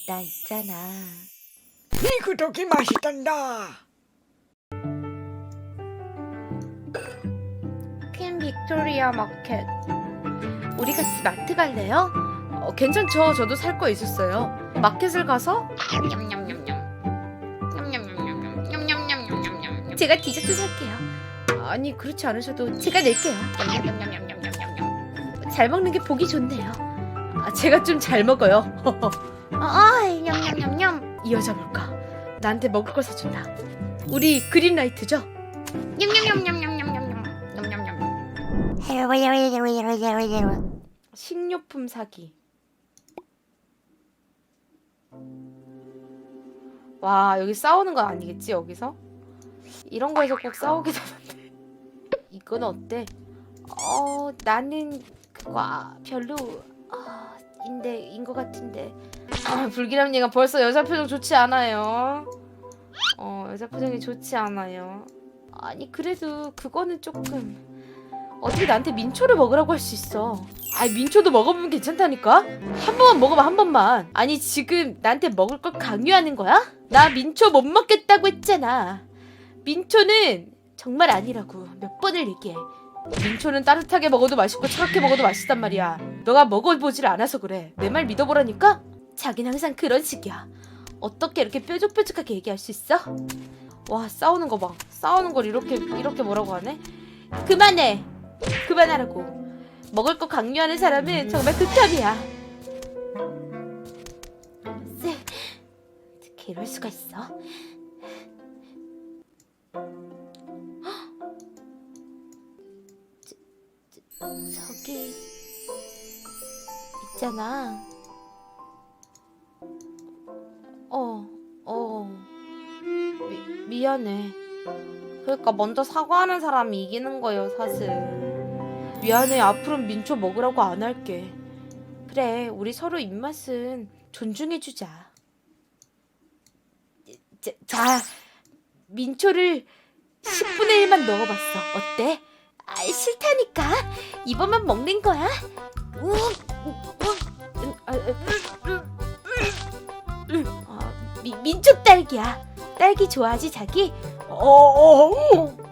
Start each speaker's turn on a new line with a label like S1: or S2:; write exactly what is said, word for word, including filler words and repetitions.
S1: 나 있잖아.
S2: 이 구독이 맛있단다.
S1: 퀸 빅토리아 마켓. 우리 같이 마트 갈래요? 어, 괜찮죠. 저도 살 거 있었어요. 마켓을 가서 제가 디저트 살게요. 아니 그렇지 않으셔도 제가 낼게요. 잘 먹는 게 보기 좋네요. 아, 제가 좀 잘 먹어요. 아, 냠냠냠냠. 이 여자 뭘까? 나한테 먹을 걸 사준다. 우리 그린라이트죠? 식료품 사기. 와, 여기 싸우는 건 아니겠지, 여기서? 이런 거에서 꼭 싸우게 되는데. 이건 어때? 어, 나는 그거 아, 별로 아, 인데 인 것 같은데. 아, 불기람님가 벌써 여자 표정 좋지 않아요. 어, 여자 표정이 좋지 않아요. 아니 그래도 그거는 조금 어떻게 나한테 민초를 먹으라고 할 수 있어. 아니 민초도 먹어보면 괜찮다니까? 한 번만 먹어봐 한 번만. 아니 지금 나한테 먹을 걸 강요하는 거야? 나 민초 못 먹겠다고 했잖아. 민초는 정말 아니라고 몇 번을 얘기해. 민초는 따뜻하게 먹어도 맛있고 차갑게 먹어도 맛있단 말이야. 너가 먹어보질 않아서 그래. 내 말 믿어보라니까? 자긴 항상 그런 식이야. 어떻게 이렇게 뾰족뾰족하게 얘기할 수 있어? 와 싸우는 거 봐. 싸우는 걸 이렇게 이렇게 뭐라고 하네? 그만해. 그만하라고. 먹을 거 강요하는 사람은 정말 극혐이야. 쎄. 어떻게 이럴 수가 있어? 저, 저기 있잖아. 어, 어. 미, 미안해. 그러니까 먼저 사과하는 사람이 이기는 거예요, 사실. 미안해. 앞으로는 민초 먹으라고 안 할게. 그래, 우리 서로 입맛은 존중해주자. 자, 자 민초를 십분의 일만 넣어봤어. 어때? 아, 싫다니까. 이번만 먹는 거야. 우, 우, 우, 아, 아, 미, 민초 딸기야. 딸기 좋아하지 자기?
S2: 어, 어,